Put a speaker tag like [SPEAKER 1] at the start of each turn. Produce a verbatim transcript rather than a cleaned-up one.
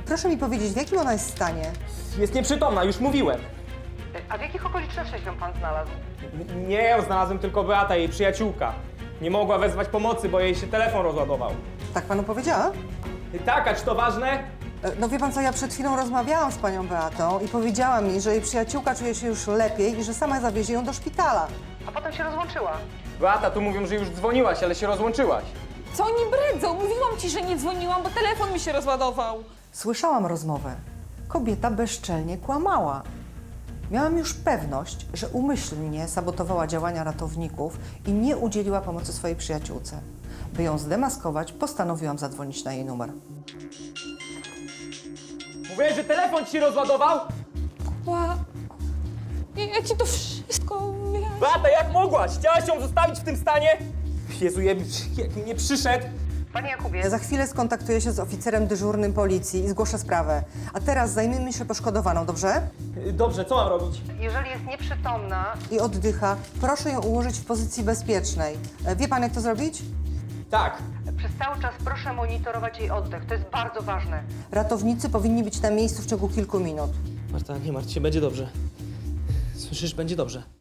[SPEAKER 1] Proszę mi powiedzieć, w jakim ona jest stanie?
[SPEAKER 2] Jest nieprzytomna, już mówiłem.
[SPEAKER 1] A w jakich okolicznościach ją pan znalazł?
[SPEAKER 2] N- Nie ją znalazłem, tylko Beata, jej przyjaciółka. Nie mogła wezwać pomocy, bo jej się telefon rozładował.
[SPEAKER 1] Tak panu powiedziała?
[SPEAKER 2] Tak, a czy to ważne?
[SPEAKER 1] E, No wie pan co, ja przed chwilą rozmawiałam z panią Beatą i powiedziała mi, że jej przyjaciółka czuje się już lepiej i że sama zawiezie ją do szpitala. A potem się rozłączyła.
[SPEAKER 2] Beata, tu mówią, że już dzwoniłaś, ale się rozłączyłaś.
[SPEAKER 3] Co oni bredzą? Mówiłam ci, że nie dzwoniłam, bo telefon mi się rozładował.
[SPEAKER 1] Słyszałam rozmowę. Kobieta bezczelnie kłamała. Miałam już pewność, że umyślnie sabotowała działania ratowników i nie udzieliła pomocy swojej przyjaciółce. By ją zdemaskować, postanowiłam zadzwonić na jej numer.
[SPEAKER 2] Mówiłeś, że telefon ci się rozładował?
[SPEAKER 3] Ła... Ja, ja ci to wszystko wyjaśnię.
[SPEAKER 2] Beata, jak mogłaś? Chciałaś ją zostawić w tym stanie? Jezu, jak jak nie przyszedł.
[SPEAKER 1] Panie Jakubie, za chwilę skontaktuję się z oficerem dyżurnym policji i zgłoszę sprawę. A teraz zajmijmy się poszkodowaną, dobrze?
[SPEAKER 2] Dobrze, co mam robić?
[SPEAKER 1] Jeżeli jest nieprzytomna i oddycha, proszę ją ułożyć w pozycji bezpiecznej. E, Wie pan, jak to zrobić?
[SPEAKER 2] Tak.
[SPEAKER 1] Przez cały czas proszę monitorować jej oddech, to jest bardzo ważne. Ratownicy powinni być na miejscu w ciągu kilku minut.
[SPEAKER 2] Marta, nie martw się, będzie dobrze. Słyszysz, będzie dobrze.